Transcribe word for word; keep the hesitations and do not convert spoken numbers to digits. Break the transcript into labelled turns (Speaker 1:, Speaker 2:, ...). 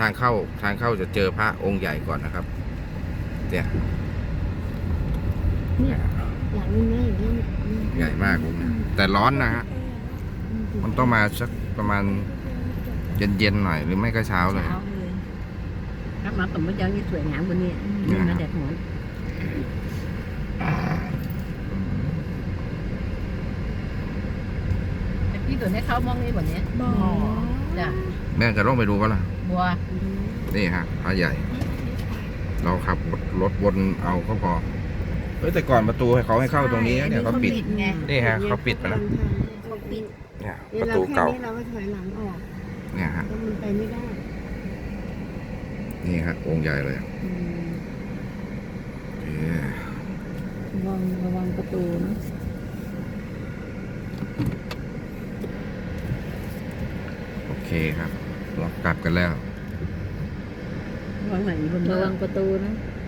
Speaker 1: างเข้าทางเข้าจะเจอพระองค์ใหญ่ก่อนนะครับเนี่ย
Speaker 2: เนี่ยหลังนึงนะอย่างเงี้ย
Speaker 1: ใหญ่มากองค์เนี่ยแต่ร้อนนะฮะมันต้องมาสักประมาณเย็นๆหน่อยหรือไม่ก็เช้าเลย
Speaker 2: เช้าเลยถ้ามาผมไม่เจอนี่สวยงามกว่านี้นี่มาแดดร้อนพี่ตัวนี้เขามองนี่แบบนี้บ่จ้ะ
Speaker 1: แม่จะลองไปดูก็ล่ะ
Speaker 2: บัว
Speaker 1: นี่ฮะพระใหญ่ เราขับรถวนเอาก็พอเฮ้ยแต่ก่อนประตูให้เขาให้เข้าตรงนี้นะเนี่ยเขาปิด
Speaker 2: ไง
Speaker 1: นี่ฮะเขาปิดไปแล้ว
Speaker 2: เขาปิด
Speaker 1: เนี่ยป
Speaker 3: เนี่ย
Speaker 1: ระ
Speaker 3: เรา
Speaker 1: ตู
Speaker 3: แค่
Speaker 1: เก่า
Speaker 3: นี้เราก็ถอยหลังออก
Speaker 1: เนี่ยฮะ
Speaker 3: แล้วมันไปไม่ได้
Speaker 1: นี่ฮะองค์ใหญ่เลยโอเค
Speaker 3: ระวังระวังประตูนะ
Speaker 1: โอเคครับเรากลับกันแล้ว
Speaker 2: ระวังไหนบน
Speaker 3: ระ
Speaker 2: เรือ
Speaker 3: วังประตูนะ
Speaker 1: อ